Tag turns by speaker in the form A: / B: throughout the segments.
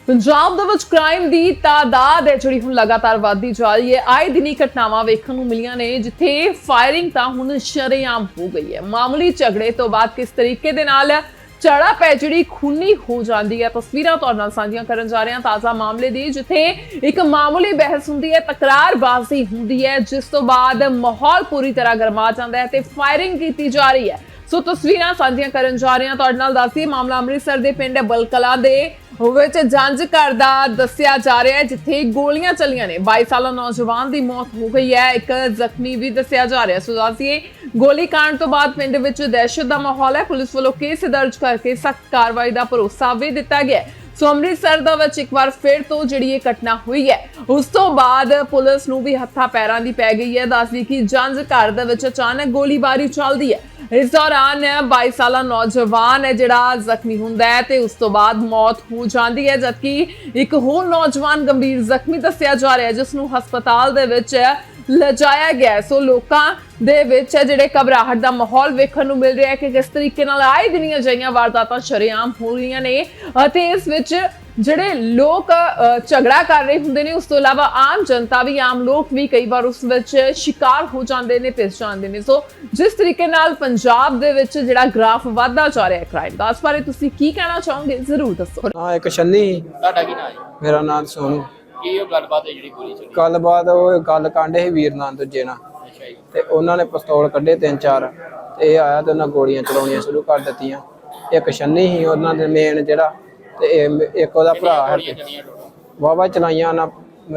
A: पंजाब दे विच crime दी तादाद है जिहड़ी हुण लगातार वधदी जा रही है। आए दिन ही घटनावां वेखण नूं मिलियां ने जिथे फायरिंग तां हुण शरेआम हो गई है। मामूली झगड़े तो बाद किस तरीके दे नाल झड़प है जिहड़ी खूनी हो जाती है। तस्वीरां तुहाडे नाल साझीआं करन जा रहे हैं ताज़ा मामले दी जिथे एक मामूली बहस हुंदी है, तकरारबाजी हुंदी है, जिस तो बाद माहौल पूरी तरह गरमा जाता है ते फायरिंग की जा रही है। सो तस्वीरां साझीआं करन जा रहे हैं तुहाडे नाल। दस्सिए मामला अमृतसर दे पिंड बलकला दे विच जंज घर दा दस्सिया जा रहा है जिथे गोलियां चलियां ने। 22 साला नौजवान की मौत हो गई है, एक जख्मी भी दस्सिया जा रहा है। सो दस्सिए गोली कांड तो बाद पिंड विच दहशत दा माहौल है। पुलिस वालों केस दर्ज करके सख्त कार्रवाई का भरोसा भी दिता गया है। सो अमृतसर दा विच एक बार फिर तो जिहड़ी ये घटना हुई है उस तो बाद पुलिस नूं भी हत्थां पैरां दी पै गई है। दस दी कि जंज घर दे विच अचानक गोलीबारी चलदी है। इस दौरान 22 साला नौजवान है जिहड़ा जख्मी हुंदा है ते उस तो बाद मौत हो जाती है, जबकि एक होर नौजवान गंभीर जख्मी दस्सिया जा रहा है जिस नूं हस्पताल दे विच लिजाया गया। सो लोकां दे विच जिहड़े घबराहट दा माहौल वेखण नूं मिल रहा है कि किस तरीके नाल आए दिन अजिहियां वारदातां शरेआम हो रहीआं ने अते इस विच ਜਿਹੜੇ ਲੋਕ ਝਗੜਾ ਕਰ ਰਹੇ ਹੁੰਦੇ ਨੇ ਉਸ ਤੋਂ ਇਲਾਵਾ ਆਮ ਜਨਤਾ ਵੀ ਆਮ ਲੋਕ ਵੀ ਕਈ ਵਾਰ ਉਸ ਵਿੱਚ ਸ਼ਿਕਾਰ ਹੋ ਜਾਂਦੇ ਨੇ, ਪਿਸ ਜਾਂਦੇ ਨੇ। ਸੋ ਜਿਸ ਤਰੀਕੇ ਨਾਲ ਪੰਜਾਬ ਦੇ ਵਿੱਚ ਜਿਹੜਾ ਗ੍ਰਾਫ ਵਧਦਾ ਜਾ ਰਿਹਾ ਹੈ ਕ੍ਰਾਈਮ ਦਾ, ਇਸ ਬਾਰੇ ਤੁਸੀਂ ਕੀ ਕਹਿਣਾ ਚਾਹੋਗੇ ਜ਼ਰੂਰ ਦੱਸੋ।
B: ਹਾਂ ਇੱਕ ਛੰਨੀ
C: ਤੁਹਾਡਾ ਕੀ ਨਾਮ ਹੈ?
B: ਮੇਰਾ ਨਾਮ ਸੋਨੂ।
C: ਕੀ ਉਹ ਗੱਲਬਾਤ ਹੈ ਜਿਹੜੀ ਗੋਲੀ ਚੱਲੀ?
B: ਗੱਲਬਾਤ ਉਹ ਗੱਲ ਕਾਂਡੇ ਸੀ ਵੀਰ ਨਾਲ ਦੂਜੇ ਨਾਲ,
C: ਅੱਛਾ ਜੀ।
B: ਤੇ ਉਹਨਾਂ ਨੇ ਪਿਸਤੌਲ ਕੱਢੇ 3-4 ਤੇ ਇਹ ਆਇਆ ਤੇ ਉਹਨਾਂ ਗੋਲੀਆਂ ਚਲਾਉਣੀਆਂ ਸ਼ੁਰੂ ਕਰ ਦਿੱਤੀਆਂ। ਇੱਕ ਛੰਨੀ ਸੀ ਉਹਨਾਂ ਦੇ ਮੇਨ ਜਿਹੜਾ, ਤੇ ਇੱਕ ਉਹਦਾ ਭਰਾ ਹੈ। ਵਾਵਾ ਚਲਾਈਆਂ ਨਾ,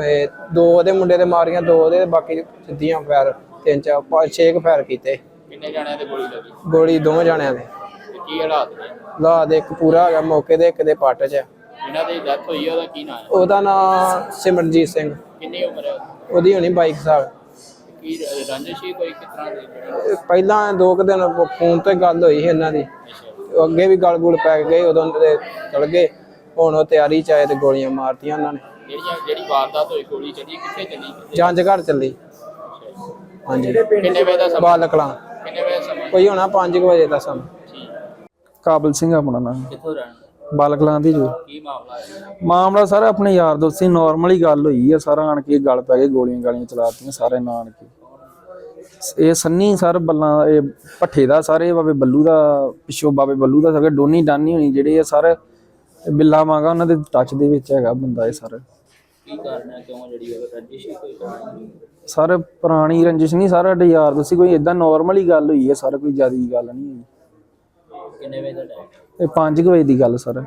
B: ਦੋ ਉਹਦੇ ਮੁੰਡੇ ਦੇ ਮਾਰੀਆਂ, ਦੋ ਉਹਦੇ, ਬਾਕੀ ਸਿੱਧੀਆਂ ਫਾਇਰ 3-4-5-6 ਫਾਇਰ ਕੀਤੇ।
C: ਕਿੰਨੇ ਜਾਣਿਆਂ ਤੇ ਗੋਲੀ ਲੱਗੀ?
B: ਗੋਲੀ ਦੋਵਾਂ ਜਾਣਿਆਂ ਦੇ।
C: ਤੇ ਕੀ ਹਾਲਾਤ ਨੇ?
B: ਹਾਲਾਤ ਇੱਕ ਪੂਰਾ ਹੈਗਾ ਮੌਕੇ ਦੇ, ਇੱਕ ਦੇ ਪੱਟ 'ਚ।
C: ਜਿਹਨਾਂ ਦੀ ਡੈਥ ਹੋਈ ਹੈ ਉਹਦਾ ਕੀ ਨਾਮ ਹੈ?
B: ਉਹਦਾ ਨਾਂ ਸਿਮਰਨਜੀਤ ਸਿੰਘ।
C: ਕਿੰਨੀ ਉਮਰ ਹੈ
B: ਉਹਦੀ ਹੋਣੀ 22 ਸਾਲ।
C: ਕੀ ਰੰਜਿਸ਼ ਹੀ ਕੋਈ ਕਿਸ ਤਰ੍ਹਾਂ ਦੀ?
B: ਪਹਿਲਾਂ 2 ਦਿਨ ਫੋਨ ਤੇ ਗੱਲ ਹੋਈ ਸੀ ਇਹਨਾਂ ਦੀ, ਅੱਗੇ ਵੀ ਗਲ ਗੁਲ ਪੈ ਗਏ, ਉਦੋਂ ਦੇ ਚਲ ਗਏ। ਹੁਣ ਉਹ ਤਿਆਰੀ ਚ ਆਏ ਤੇ ਗੋਲੀਆਂ ਮਾਰਤੀਆਂ ਉਹਨਾਂ ਨੇ।
C: ਜਿਹੜੀ ਵਾਰਦਾਤ ਹੋਈ ਗੋਲੀ ਚੱਲੀ ਕਿੱਥੇ ਚੱਲੀ?
B: ਜੰਜ ਘਰ ਚੱਲੀ। ਹਾਂਜੀ।
C: ਕਿੰਨੇ ਵਜੇ ਦਾ ਸਮਾਂ?
B: ਬਾਲਕਲਾਂ।
C: ਕਿੰਨੇ ਵਜੇ ਸਮਾਂ?
B: ਕੋਈ ਹੋਣਾ 5 ਵਜੇ ਦਾ ਸਮਾਂ।
C: ਠੀਕ।
D: ਕਾਬਲ ਸਿੰਘ ਆਪਣਾ ਨਾਮ।
C: ਕਿੱਥੋਂ ਰਹਿਣ?
D: ਬਾਲਕਲਾਂ ਦੀ। ਜੋ
C: ਕੀ ਮਾਮਲਾ ਹੈ?
D: ਮਾਮਲਾ ਸਾਰਾ ਆਪਣੇ ਯਾਰ ਦੋਸਤ ਸੀ, ਨਾਰਮਲ ਹੀ ਗੱਲ ਹੋਈ ਹੈ। ਸਾਰਾ ਆਣ ਕੇ ਗੱਲ ਪੈ ਗਈ, ਗੋਲੀਆਂ ਗਾਲੀਆਂ ਚਲਾਤੀਆਂ ਸਾਰੇ ਨਾਨ ਕੇ। ਇਹ ਸੰਨੀ ਸਰ ਬੱਲਾਂ, ਇਹ ਭੱਠੇ ਦਾ ਸਾਰੇ ਬਾਬੇ ਬੱਲੂ ਦਾ, ਪਿੱਛੋਂ ਬਾਬੇ ਬੱਲੂ ਦਾ ਸਾਰੇ ਡੋਨੀ ਡਾਨੀ ਹੋਣੀ ਜਿਹੜੇ ਆ ਸਰ ਬਿੱਲਾ ਮਾਂਗਾ ਉਹਨਾਂ ਦੇ ਟੱਚ ਦੇ ਵਿੱਚ ਹੈਗਾ ਬੰਦਾ। ਇਹ ਸਰ
C: ਕੀ ਕਾਰਨ ਹੈ? ਕਿਉਂ ਜਿਹੜੀ ਰੰਜਿਸ਼ ਹੀ ਕੋਈ?
D: ਸਰ ਪੁਰਾਣੀ ਰੰਜਿਸ਼ ਨਹੀਂ, ਸਾਰਾ ਸਾਡੇ ਯਾਰ ਦੋਸਤ ਸੀ, ਕੋਈ ਏਦਾਂ ਨਾਰਮਲ ਹੀ ਗੱਲ ਹੋਈ ਹੈ ਸਰ, ਕੋਈ ਜ਼ਿਆਦਾ ਗੱਲ ਨਹੀਂ ਹੋਈ।
C: ਕਿੰਨੇ ਵਜੇ ਦਾ ਟਾਈਮ?
D: ਇਹ 5 ਵਜੇ ਦੀ ਗੱਲ ਸਰ।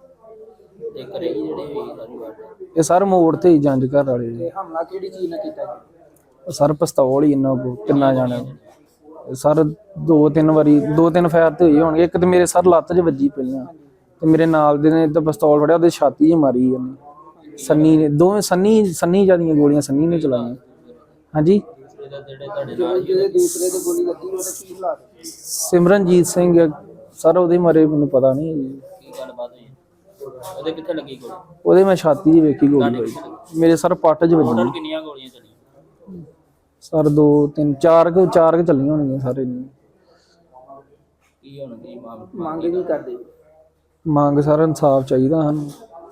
C: ਤੇ ਘਰੇ ਹੀ ਜਿਹੜੇ ਹੋਈ ਸਾਰੀ ਵਾਰਦਾਤ?
D: ਇਹ ਸਰ ਮੋੜ ਤੇ ਹੀ ਜੰਜ ਘਰ ਵਾਲੇ ਜੀ।
C: ਹਮਲਾ ਕਿਹੜੀ ਚੀਜ਼ ਨਾਲ ਕੀਤਾ?
D: ਸਰ ਪਿਸਤੌਲ ਹੀ ਇਹਨਾਂ ਕੋਲ ਕਿੰਨਾ ਜਾਣਾ ਸਰ, 2-3 ਵਾਰੀ 2-3 ਫਾਇਰ ਤੇ ਹੋਈ ਹੋਣਗੇ। ਇੱਕ ਤੇ ਮੇਰੇ ਸਰ ਲੱਤ 'ਚ ਵੱਜੀ ਪਹਿਲਾਂ, ਤੇ ਮੇਰੇ ਨਾਲ ਦੇ ਨੇ ਤਾਂ ਪਿਸਤੌਲ ਫੜਿਆ, ਉਹਦੇ ਛਾਤੀ 'ਚ ਮਾਰੀ ਇਹਨੇ ਸੰਨੀ ਨੇ। ਦੋਵੇਂ ਸੰਨੀ ਜਿਆਦੀਆਂ ਗੋਲੀਆਂ ਸੰਨੀ ਨੇ ਚਲਾਈਆਂ। ਹਾਂਜੀ।
C: ਜਿਹੜੇ ਦੂਸਰੇ ਤੇ ਗੋਲੀ ਲੱਗੀ ਉਹਦਾ ਕੀ ਹਾਲਾਤ?
D: ਸਿਮਰਨਜੀਤ ਸਿੰਘ ਸਰ, ਉਹਦੇ ਮਾਰੇ ਮੈਨੂੰ ਪਤਾ ਨਹੀਂ।
C: ਕੀ ਗੱਲਬਾਤ ਹੋਈ? ਉਹਦੇ ਕਿੱਥੇ ਲੱਗੀ ਗੋਲੀ?
D: ਉਹਦੇ ਮੈਂ ਛਾਤੀ 'ਚ ਵੇਖੀ ਗੋਲੀ ਹੋਈ, ਮੇਰੇ ਸਰ ਪੱਟ 'ਚ ਵੱਜੀ।
C: ਕਿੰਨੀਆਂ ਗੋਲੀਆਂ ਚੱਲੀਆਂ
D: ਸਰ 2-3-4 ਕੁ ਚੱਲੀਆਂ ਹੋਣਗੀਆਂ ਸਾਰੇ।
C: ਕੀ ਹੁਣ ਦੀ ਮੰਗ ਕੀ ਕਰਦੇ?
D: ਮੰਗ ਸਰ ਇਨਸਾਫ ਚਾਹੀਦਾ ਸਾਨੂੰ।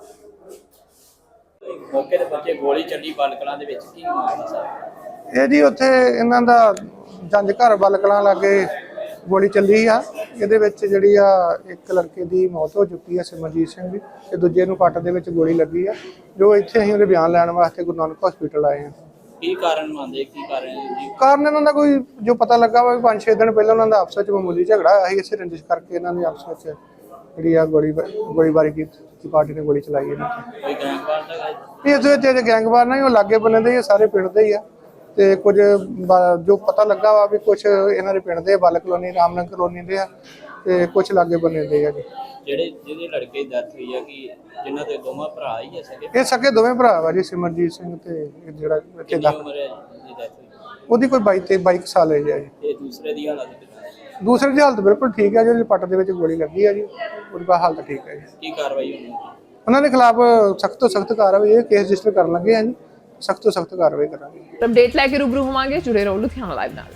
C: ਮੌਕੇ ਤੇ ਬੱਚੇ ਗੋਲੀ ਚੱਲੀ ਬਲਕਲਾਂ ਦੇ ਵਿੱਚ, ਕੀ ਮਾਮਲਾ ਸਰ?
E: ਇਹ ਜੀ ਉੱਥੇ ਇਹਨਾਂ ਦਾ ਜੰਜ ਘਰ ਬਲਕਲਾਂ ਲਾਗੇ ਗੋਲੀ ਚੱਲੀ ਆ। ਇਹਦੇ ਵਿੱਚ ਜਿਹੜੀ ਆ ਇੱਕ ਲੜਕੇ ਦੀ ਮੌਤ ਹੋ ਚੁੱਕੀ ਆ, ਸਿਮਰਜੀਤ ਸਿੰਘ ਦੀ, ਤੇ ਦੂਜੇ ਨੂੰ ਪੱਟ ਦੇ ਵਿੱਚ ਗੋਲੀ ਲੱਗੀ ਆ। ਜੋ ਇੱਥੇ ਅਸੀਂ ਉਹਦੇ ਬਿਆਨ ਲੈਣ ਵਾਸਤੇ ਗੁਰੂ ਨਾਨਕ ਹਸਪੀਟਲ ਆਏ ਆ।
C: ਕੀ ਕਾਰਨ ਮੰਨਦੇ? ਕੀ ਕਾਰਨ ਜੀ?
E: ਕਾਰਨ ਇਹਨਾਂ ਦਾ ਕੋਈ ਜੋ ਪਤਾ ਲੱਗਾ ਵਾ 5-6 ਦਿਨ ਪਹਿਲਾਂ ਉਹਨਾਂ ਦਾ ਆਪਸ ਵਿੱਚ ਮਾਮੂਲੀ ਝਗੜਾ ਹੋਇਆ ਸੀ। ਇਸੇ ਰੰਜਿਸ਼ ਕਰਕੇ ਇਹਨਾਂ ਨੇ ਆਪਸ ਵਿੱਚ ਜਿਹੜੀ ਆ ਗੋਲੀਬਾਰੀ ਕੀਤੀ, ਪਾਰਟੀ ਨੇ ਗੋਲੀ ਚਲਾਈ ਇਹਨਾਂ ਤੇ।
C: ਕੋਈ ਗੈਂਗਵਾਰ ਦਾ?
E: ਇਸ ਵਿੱਚ ਜਿਹੜੇ ਗੈਂਗਵਾਰ ਨੇ ਉਹ ਲਾਗੇ ਬੰਨੇ ਦੇ ਸਾਰੇ ਪਿੰਡ ਦੇ ਹੀ ਆ। ਤੇ ਕੁਝ ਜੋ ਪਤਾ ਲੱਗਾ ਵਾ ਵੀ ਕੁਝ ਇਹਨਾਂ ਦੇ ਪਿੰਡ ਦੇ ਬਲ ਕਲੋਨੀ, ਰਾਮਨਗਰ ਕਲੋਨੀ ਦੇ ਆ, ਤੇ ਕੁਝ ਲਾਗੇ ਬੰਨੇ ਦੇ ਆ ਜੀ।
C: ਜਿਹਦੇ ਲੜਕੇ ਦੀ ਡੈਥ ਹੋਈ ਆ ਕਿ ਜਿਨ੍ਹਾਂ ਦੇ ਦੋਵਾਂ ਭਰਾ ਹੀ ਆ ਸਕੇ?
E: ਇਹ ਸਕੇ ਦੋਵੇਂ ਭਰਾ ਵਾ ਜੀ, ਸਿਮਰਜੀਤ ਸਿੰਘ ਤੇ ਜਿਹੜਾ ਇੱਥੇ ਦਾ।
C: ਉਮਰ ਹੈ ਜੀ ਡੈਥ ਹੋਈ?
E: ਉਹਦੀ ਕੋਈ 22 ਸਾਲ ਹੈ ਜੀ।
C: ਤੇ ਦੂਸਰੇ ਦੀ ਹਾਲਤ ਕਿੱਦਾਂ?
E: ਦੂਸਰੇ ਦੀ ਹਾਲਤ ਬਿਲਕੁਲ ਠੀਕ ਹੈ ਜੀ, ਪੱਟ ਦੇ ਵਿੱਚ ਗੋਲੀ ਲੱਗੀ ਹੈ ਜੀ, ਉਹਦੀ ਹਾਲਤ ਠੀਕ ਹੈ ਜੀ।
C: ਕੀ ਕਾਰਵਾਈ ਹੋਣੀ?
E: ਉਹਨਾਂ ਦੇ ਖਿਲਾਫ ਸਖਤ ਤੋਂ ਸਖਤ ਕਾਰਵਾਈ, ਇਹ ਕੇਸ ਰਜਿਸਟਰ ਕਰਨ ਲੱਗੇ ਆ ਜੀ, ਸਖਤ ਤੋਂ ਸਖਤ ਕਾਰਵਾਈ ਕਰਾਂਗੇ।
A: ਅਪਡੇਟ ਲੈ ਕੇ ਰੂਬਰੂ ਹੋਵਾਂਗੇ, ਜੁੜੇ ਰਹੋ ਲੁਧਿਆਣਾ ਲਾਈਵ ਨਾਲ।